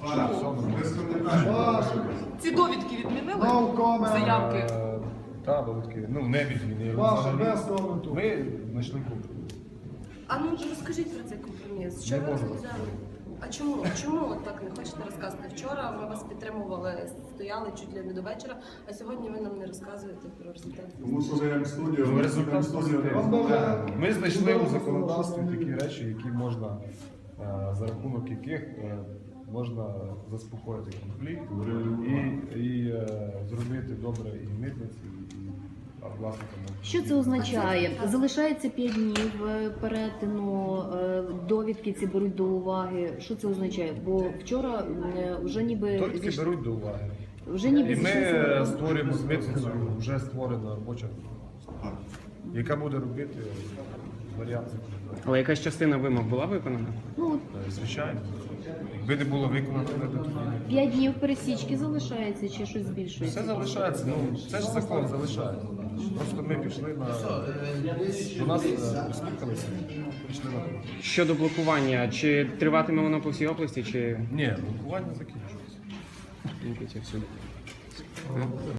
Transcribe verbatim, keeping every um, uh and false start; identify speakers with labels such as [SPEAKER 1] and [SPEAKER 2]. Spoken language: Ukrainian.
[SPEAKER 1] Чому? Ці довідки відмінили? Заявки?
[SPEAKER 2] Так, довідки. Ну, не відмінили.
[SPEAKER 3] Ваша, без коменту.
[SPEAKER 2] Ми знайшли компроміс.
[SPEAKER 1] А ну розкажіть про цей компроміс. Що
[SPEAKER 2] Не
[SPEAKER 1] ви
[SPEAKER 2] можу
[SPEAKER 1] розглядали? А чому? Чому от так не хочете розказати? Вчора ми вас підтримували, стояли чуть ли не до вечора, а сьогодні ви нам не розказуєте про результати.
[SPEAKER 4] Тому що ви студію,
[SPEAKER 2] Ну, результат
[SPEAKER 4] студію.
[SPEAKER 2] позитивний. Ми знайшли у законодавстві такі речі, які можна, е, за рахунок яких е, можна заспокоїти конфлікт і, і е, зробити добре і митниці, і власникам.
[SPEAKER 5] Що це означає? Залишається п'ять днів е, перетину, е, довідки ці беруть до уваги. Що це означає? Бо вчора е, вже ніби
[SPEAKER 2] Довідки
[SPEAKER 5] зійш-
[SPEAKER 2] беруть до уваги.
[SPEAKER 5] вже ніби
[SPEAKER 2] І ми
[SPEAKER 5] зійшлися
[SPEAKER 2] е,
[SPEAKER 5] на-
[SPEAKER 2] створюємо з митницею вже створена робоча група, яка буде робити варіант законодавства.
[SPEAKER 6] Але якась частина вимог була виконана?
[SPEAKER 5] Ну, от
[SPEAKER 2] Е, Звичайно. Якби не було виконано, не до тоді.
[SPEAKER 5] п'ять днів пересічки залишається чи щось збільшується?
[SPEAKER 2] Все залишається, ну це ж закон залишається. Просто ми пішли на до нас е, прислухалися, пішли на роботу.
[SPEAKER 6] Щодо блокування, чи триватиме воно по всій області, чи
[SPEAKER 2] Ні, блокування закінчується.
[SPEAKER 6] тільки всюди?